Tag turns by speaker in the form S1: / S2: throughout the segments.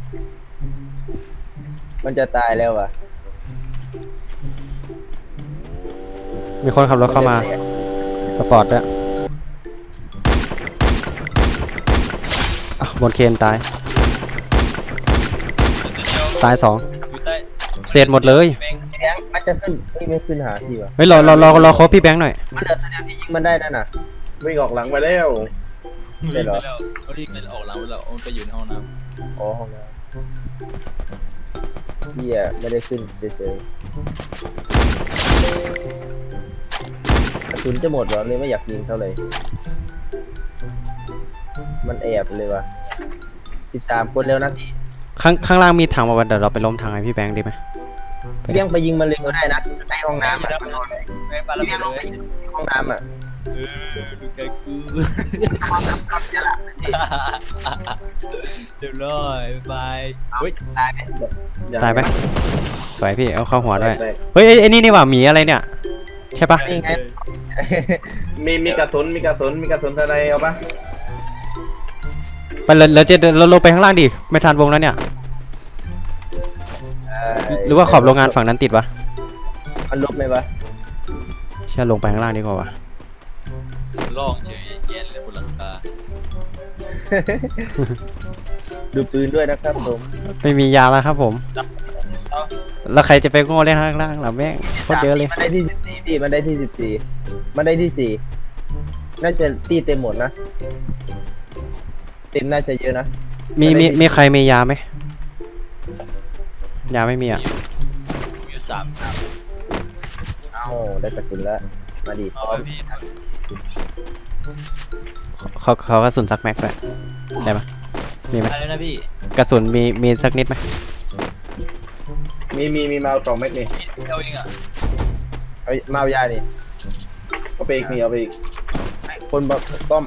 S1: มันจะตายแล้ววะ
S2: มีคนขับรถเข้ามาสปอร์ตด้วยบนเคนตาย2เศษหมดเลย
S1: แบงค์มันจะขึ้นไม่ขึ้นหาพี่วะ
S2: เฮ้ยรอครบพี่แบงค์หน่อย
S1: มันเดือดตัวเดียวพี่ยิงมันได้นั่นน่ะ
S3: วิ่งออกหลังไปแล้ว
S1: ได้เหรอ
S4: เขารีบไปออกหลังไปแล้วมันไปอยู่ในห้องน้
S1: อ๋อห้องน้ำพี่อะไม่ได้ขึ้นเฉยๆกระสุนจะหมดเหรอเลยไม่อยากยิงเท่าไหร่มันแอบเลยวะ13 คนแล้วนะพี่
S2: ข้างล่างมีถังมาวันเดี๋ยวเราไปล้มถังให้พี่แบงค์ดีไหม
S1: พี่เลี้ยงไปยิงมันเลยก็ได้นะใต้ห้อง
S4: ำ
S1: น้ำอะ
S4: แม่ปลาระ
S1: พี่
S4: เบิ
S1: เลี้ย
S4: ด
S1: งล
S4: เล
S1: งไป
S4: ย
S1: ยิงห้องน้ำอะ
S4: ดูแกกู
S1: เนี่ยแหละ
S4: เรียบร้อยบาย
S1: เฮ้ยตายไหม
S2: ตายไหมสวยพี่เอาเข้าหัวด้วย
S3: แตก
S2: เฮ้ยไอ้นี่หว่าหมีอะไรเนี่ยใช่ปะ
S1: นี่ไง
S3: มีกระสุนอะไรเอาปะ
S2: ไปเลยเราลงไปข้างล่างดิไม่ทันวงแล้วเนี่ยหรือว่าขอบโรงงานฝั่งนั้นติดวะ
S1: มันลบไหมวะ
S2: ใช่ลงไปข้างล่างดีกว่าวะ
S4: ล่องเฉยเย็นเลยบนหลังคา
S1: ดูปืนด้วยนะครับผม
S2: ไม่มียาแล้วครับผมแล้วใครจะไปโง่เล่นข้างล่างล่ะแม่งโคตรเยอะเลย
S1: มันได้ที่14พี่มันได้ที่14มันได้ที่4น่าจะตีเต็มหมดนะเต็มน่าจะเยอะนะ
S2: มีใครมียาไหมยาไม่มีอ่ะ
S4: มีอยู่3
S1: เอ้าได้กระสุนแล้วมาดิ
S4: เอาพี่
S2: เขากระสุนซักแม็กด้วยได้ปะมีไหม
S4: อะไรนะพี่
S2: กระสุนมีสักนิดไหม
S3: มีมาเอา2 เม็ดนี่
S4: เอาเองอ่ะ
S1: เฮ้ยมาเอายาดิ
S3: เอาไปอีกนี่เอาไปอีก
S1: คนบอกต้อม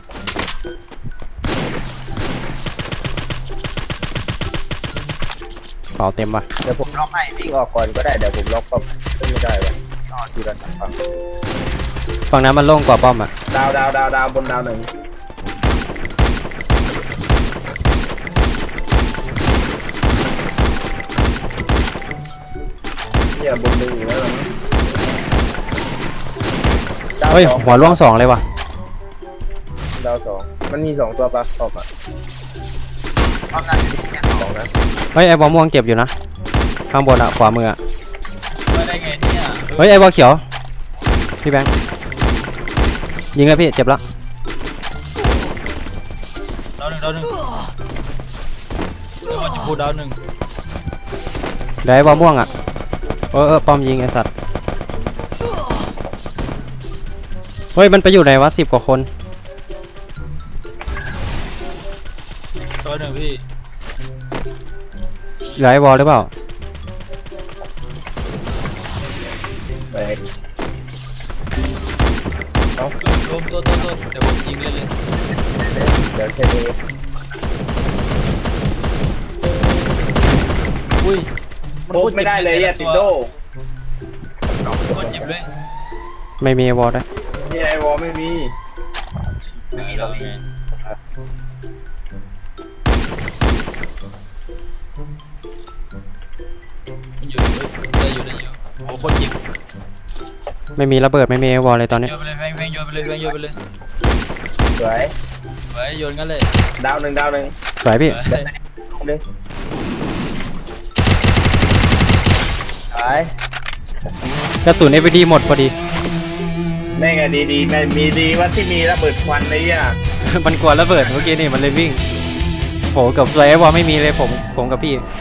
S2: เป่าเต็มปะ
S1: เดี๋ยวผมล็อกให้วิ่งออกก่อนก็ได้เดี๋ยวผมล็อกป้อมไม่ได้วะนอนทีละฝั่ง
S2: ฝั่งนั้นมันโล่งกว่าป้อมอ่ะ
S3: ดาวบนดาว1เนี่ยบน1อยู่แล้วนะ
S2: เฮ้ยหัวร่วง2เลยว่ะ
S1: ดาว2มันมี2ตัวปะป้อมอ่ะป้อมน่าจะมีแค่2นะ
S2: เฮ้ยไอ้บอลม่วงเจ็บอยู่นะข้างบนอ่ะขวามืออ่ะ
S4: มาได้ไงเนี่ย
S2: เฮ้ยไอ้บอลเขียวพี่แบงค์ยิงเลยพี่เจ็บแล้ว
S4: ดาวหนึ่งแล้วมันจะพูดดาวหนึ่ง
S2: เดี๋ยวไอ้บอลม่วงอ่ะป้อมยิงไอ้สัตว์เฮ้ยมันไปอยู่ไหนวะ10 กว่าคน
S4: ตัวหนึ่งพี่
S2: เหลือไอ้บอลหรือเปล่า
S3: แตก
S4: รวมตัวเดี๋ยวผมยิงเลย
S1: เดี๋ยวเชนเอง
S4: อุ้ย
S3: โป๊กไม่ได้เลยอะติดโด
S4: คนเจ็บเลย
S2: ไม่มีไอ้บอลด้วย
S3: นี่ไอวอลไม่มี
S4: ไม่มีหรอกไงอยู่ได้อยู่โอ้คนเจ็บ
S2: ไม่มีระเบิดไม่มีไอ้บอลเลยตอนนี้
S4: โยนไปเลยแม่งโยนไปเลยโยนไปเลย
S1: สวย
S4: ไว้โยนกันเลย
S3: ดาวหนึ่ง
S2: สวยพี่
S1: ลงเลยสวย
S2: กระสุน FPD หมดพอดี
S3: แม่งอะดีแม่งมีดีว่าที่มีระเบิดควันเลยอ่ะ
S2: มันกลัวระเบิดเมื่อกี้นี่มันเลยวิ่งโหกับสวยไอ้บอลไม่มีเลยผมกับพี่